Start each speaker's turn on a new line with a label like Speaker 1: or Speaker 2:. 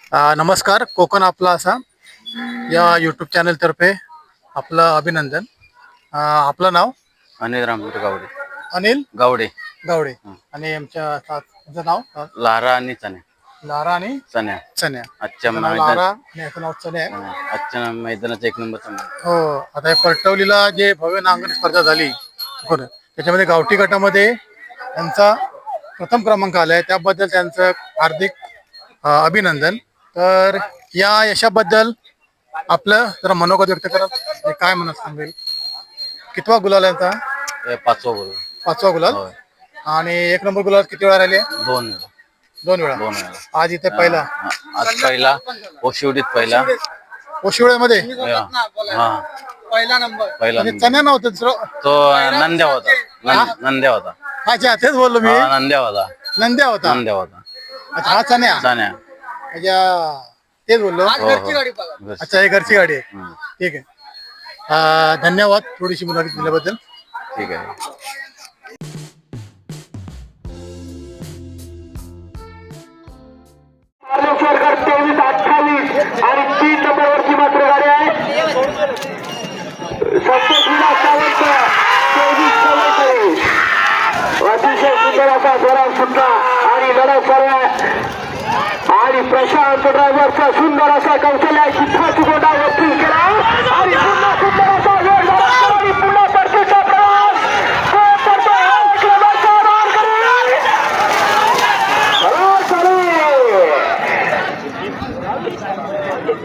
Speaker 1: नमस्कार. कोकण आपला असा या यूट्यूब चॅनलतर्फे आपलं अभिनंदन. आपलं नाव
Speaker 2: अनिल रामचंद्र गावडे.
Speaker 1: अनिल
Speaker 2: गावडे.
Speaker 1: गावडे आणि आमच्या तुमचं नाव
Speaker 2: लारा आणि चण्या.
Speaker 1: लारा आणि
Speaker 2: चण्या.
Speaker 1: चण्या.
Speaker 2: आजच्या
Speaker 1: नाव लारा आणि याचं नाव चण्या आहे.
Speaker 2: आजच्या मैदानाचा 1 नंबर चण्या.
Speaker 1: हो. आता या परटवलीला जे भव्य नांगण स्पर्धा झाली बरं, त्याच्यामध्ये गावठी गटामध्ये त्यांचा प्रथम क्रमांक आलाय, त्याबद्दल त्यांचं हार्दिक अभिनंदन. तर या यशाबद्दल आपलं जरा मनोगत व्यक्त करा. काय म्हणत सांगेल? कितवा गुलाल आहे यांचा?
Speaker 2: 5वा बोल.
Speaker 1: 5वा गुलाल.
Speaker 2: होय.
Speaker 1: आणि 1 नंबर गुलाल किती वेळा राहिले?
Speaker 2: 2 वेळा.
Speaker 1: 2 वेळा.
Speaker 2: 2 वेळा.
Speaker 1: आज इथे पहिला.
Speaker 2: आज पहिला ओशिवडीत पहिला.
Speaker 1: ओशिवळ्यामध्ये
Speaker 2: हा
Speaker 1: पहिला नंबर.
Speaker 2: पहिला
Speaker 1: आणि चण्या नव्हतं दुसरं.
Speaker 2: तो नंद्या होता. नंद्या होता.
Speaker 1: अच्छा, तेच बोललो मी.
Speaker 2: नंद्या होता.
Speaker 1: नंद्या होता.
Speaker 2: नंद्या होता.
Speaker 1: अच्छा, हा चण्या.
Speaker 2: चण्या.
Speaker 1: अच्छा, तेच बोललो. अच्छा, ही घरची गाडी आहे. ठीक आहे. धन्यवाद थोडीशी मुलाखत दिल्याबद्दल.
Speaker 2: ठीक आहे.
Speaker 3: सरकार 23-28 आणि 3 नंबरवरची मात्र गाडी आहे. संतोष विलास सावंत 23-44. अतिशय सुंदर असा जोरात सुद्धा आणि लढत सर्व आणि प्रशांत ड्रायव्हरचा सुंदर असा कौशल्याची फाच गोडावरती